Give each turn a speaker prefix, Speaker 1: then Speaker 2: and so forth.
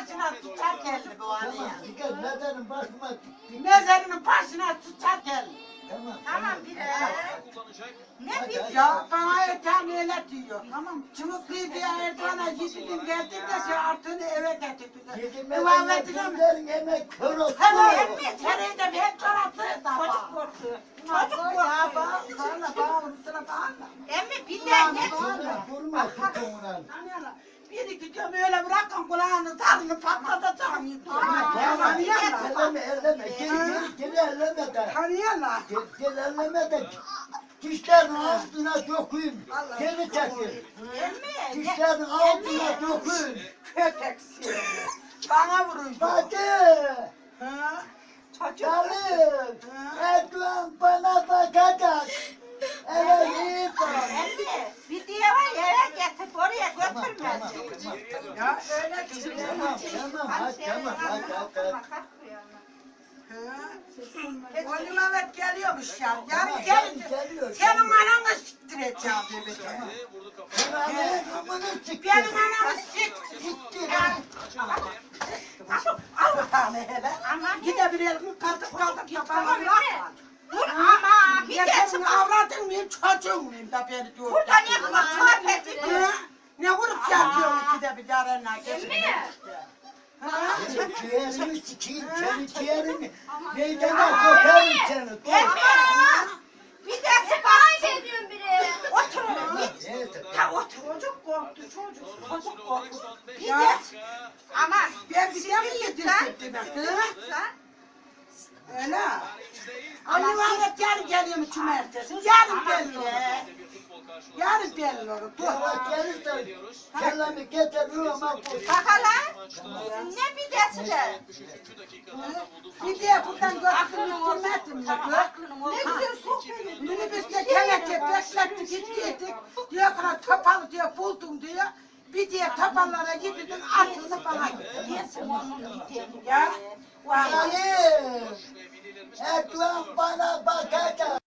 Speaker 1: başına tutar geldi bu anı ya.
Speaker 2: Dikkat mezarın başıma.
Speaker 1: Mezarının başına tutar geldi.
Speaker 3: Tamam bir
Speaker 1: Ne bileyim ya bana Ertan öyle diyor. Tamam. Çubukluyu bir Ertan'a gittim geldim de şu artığını eve getirdiler.
Speaker 2: Yedimeden
Speaker 1: Muhammed'in
Speaker 2: yapımların yemek kör olsun.
Speaker 1: Tamam emmi tereyde ben çoraptı da.
Speaker 3: çocuk korktu.
Speaker 1: Çocuk ya bağırma bağırma bağırma.
Speaker 3: Emmi bir de
Speaker 2: Durma sütunla.
Speaker 1: Bir iki diyorum öyle bırakın kulağını tarını patlatacağım.
Speaker 2: Elleme. Gel elleme de.
Speaker 1: Tanıyorlar.
Speaker 2: Gel elleme de. Dişlerin altına dökün. Geri çekil.
Speaker 3: Emmi.
Speaker 2: Dişlerin altına dökün.
Speaker 1: Köpek seni. Bana vurun.
Speaker 2: Hadi.
Speaker 1: Ha?
Speaker 2: Dalın. Erdoğan bana bakacak. Evet iyi bak.
Speaker 3: Emmi bir diye var ya eve getirip oraya götürmez.
Speaker 1: Ya öyle diyor.
Speaker 2: Tamam.
Speaker 1: O Mehmet geliyormuş ya. Yarın
Speaker 2: Geliyor.
Speaker 1: gelince senin ananı siktireceğim dedi. Benim anamı siktir. Al bakalım hele. Gidebilelim kaldık yapalım.
Speaker 3: Ama bir
Speaker 1: Ya
Speaker 3: de
Speaker 1: senin avradın mıyım çocuğun muyum da beni diyor.
Speaker 3: burada ne kadar sohbet ediyor.
Speaker 1: Ne vurup yatıyorsun ikide bir yarenler geçin.
Speaker 2: Senin ciğerini sikeyim, senin ciğerini meydana kokarım seni.
Speaker 3: Emmi. Bir de bana ediyorsun biri. Oturun.
Speaker 2: Neyse.
Speaker 3: Ha otur.
Speaker 1: Çocuk korktu çocuk.
Speaker 3: Çocuk korktu. Bir
Speaker 1: Ya.
Speaker 3: de ama
Speaker 1: Ben bir şey mi yedirdim demek hı? Öyle. Ali Mehmet yarın geliyor mu cumartesi? Yarın belli. Yarın belli olur. Dur.
Speaker 2: Yavaş gelirsen kellemi getiriyorum ama bu.
Speaker 3: bakalım. Ne bir desiler.
Speaker 1: Bir de buradan götürmedim mi?
Speaker 3: Ne güzel sohbet.
Speaker 1: Minibüste kelepçe beklettik gittik. Diyor ki topalı diyor buldum diyor. Bir diye topallara gittim atıldı bana.
Speaker 3: Yesin onun gidelim.
Speaker 1: Ya. Vallahi.
Speaker 2: Ali, Erdoğan bana bakacak.